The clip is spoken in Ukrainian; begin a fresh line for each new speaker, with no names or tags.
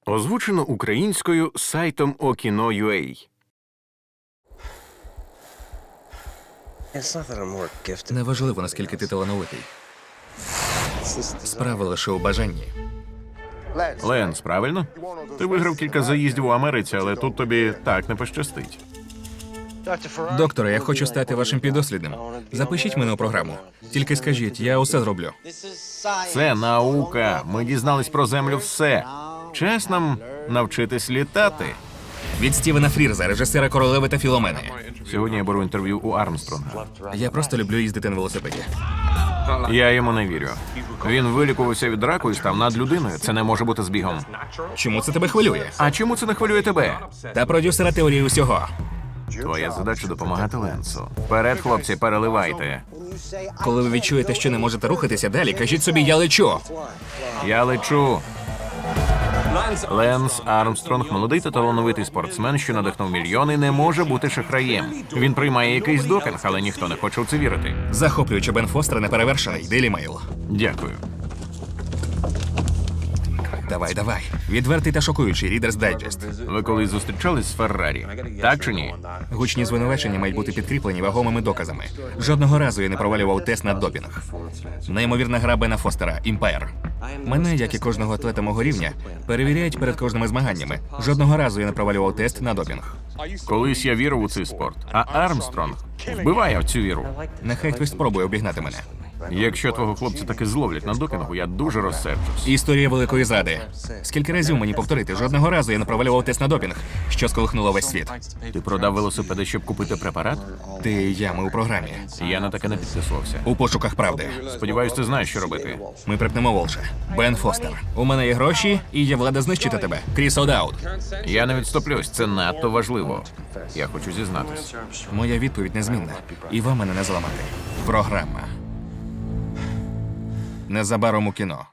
Озвучено українською сайтом Okino.ua.
Неважливо, наскільки ти талановитий. Справа лише у бажанні.
Ленс, правильно? Ти виграв кілька заїздів у Америці, але тут тобі так не пощастить.
Докторе, я хочу стати вашим піддослідним. Запишіть мене у програму. Тільки скажіть, я усе зроблю.
Це наука. Ми дізнались про Землю все. Час нам навчитись літати.
Від Стівена Фрірза, режисера «Королеви та Філомени».
Сьогодні я беру інтерв'ю у Армстронга.
Я просто люблю їздити на велосипеді.
Я йому не вірю. Він вилікувався від раку і став над людиною. Це не може бути збігом.
Чому це тебе хвилює?
А чому це не хвилює тебе?
Та продюсера теорії усього.
Твоя задача допомагати Ленсу. Вперед, хлопці, переливайте.
Коли ви відчуєте, що не можете рухатися далі, кажіть собі «я лечу».
Я лечу. Ленс Армстронг, молодий та талановитий спортсмен, що надихнув мільйони, не може бути шахраєм. Він приймає якийсь допінг, але ніхто не хоче в це вірити.
Захоплюючи Бен Фостер неперевершений. Daily Mail.
Дякую.
Давай. Відвертий та шокуючий Reader's Digest.
Ви колись зустрічались з Феррарі? Так чи ні?
Гучні звинувачення мають бути підкріплені вагомими доказами. Жодного разу я не провалював тест на допінг. Неймовірна гра Бена Фостера «Імпайр». Мене, як і кожного атлета мого рівня, перевіряють перед кожними змаганнями. Жодного разу я не провалював тест на допінг.
Колись я вірив у цей спорт, а Армстронг вбиває в цю віру.
Нехай хтось спробує обігнати мене.
Якщо твого хлопця таки зловлять на допінгу, я дуже розсерджусь.
Історія великої зради. Скільки разів мені повторити? Жодного разу я не провалював тест на допінг, що сколихнуло весь світ.
Ти продав велосипеди, щоб купити препарат?
Ти і я, ми у програмі.
Я на таке не підписувався.
У пошуках правди.
Сподіваюсь, ти знаєш, що робити.
Ми припнемо Волша. Бен Фостер. У мене є гроші, і є влада знищити тебе. Кріс О'Дауд.
Я не відступлюсь, це надто важливо. Я хочу зізнатись.
Моя відповідь незмінна. І вам мене не зламати. Програма. Незабаром у кіно.